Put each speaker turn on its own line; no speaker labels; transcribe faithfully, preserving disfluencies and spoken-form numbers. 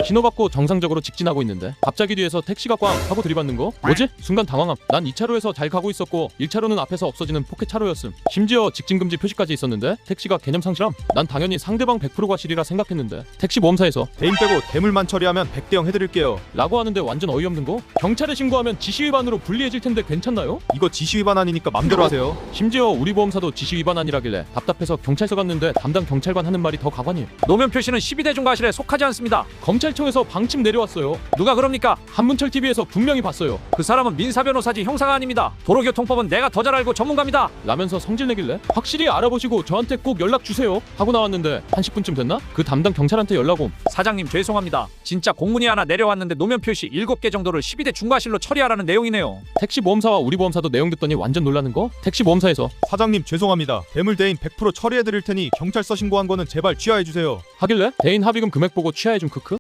신호받고 정상적으로 직진하고 있는데 갑자기 뒤에서 택시가 꽝 하고 들이받는 거? 뭐지? 순간 당황함. 난 이 차로에서 잘 가고 있었고 일 차로는 앞에서 없어지는 포켓 차로였음. 심지어 직진금지 표시까지 있었는데 택시가 개념 상실함. 난 당연히 상대방 백 퍼센트 과실이라 생각했는데 택시 보험사에서
대인 빼고 대물만 처리하면 백 대 영 해드릴게요.
라고 하는데 완전 어이없는 거? 경찰에 신고하면 지시위반으로 불리해질 텐데 괜찮나요?
이거 지시 위반 아니니까 맘대로 하세요.
심지어 우리 보험사도 지시위반 아니라길래 답답해서 경찰서 갔는데 담당 경찰관 하는 말이 더 가관이에요.
노면 표시는 십이 대 중 과실에 속하지 않습니다.
검찰청에서 방침 내려왔어요.
누가 그럽니까?
한문철티비에서 분명히 봤어요.
그 사람은 민사변호사지 형사가 아닙니다. 도로교통법은 내가 더 잘 알고 전문가입니다.
라면서 성질내길래 확실히 알아보시고 저한테 꼭 연락 주세요 하고 나왔는데 한 십 분쯤 됐나? 그 담당 경찰한테 연락 옴.
사장님 죄송합니다. 진짜 공문이 하나 내려왔는데 노면 표시 일곱 개 정도를 십이 대 중과실로 처리하라는 내용이네요.
택시 보험사와 우리 보험사도 내용 듣더니 완전 놀라는 거? 택시 보험사에서
사장님 죄송합니다. 대물 대인 백 퍼센트 처리해드릴 테니 경찰서 신고한 거는 제발 취하해주세요.
하길래 대인 합의금 금액 보고 취하해준 크크?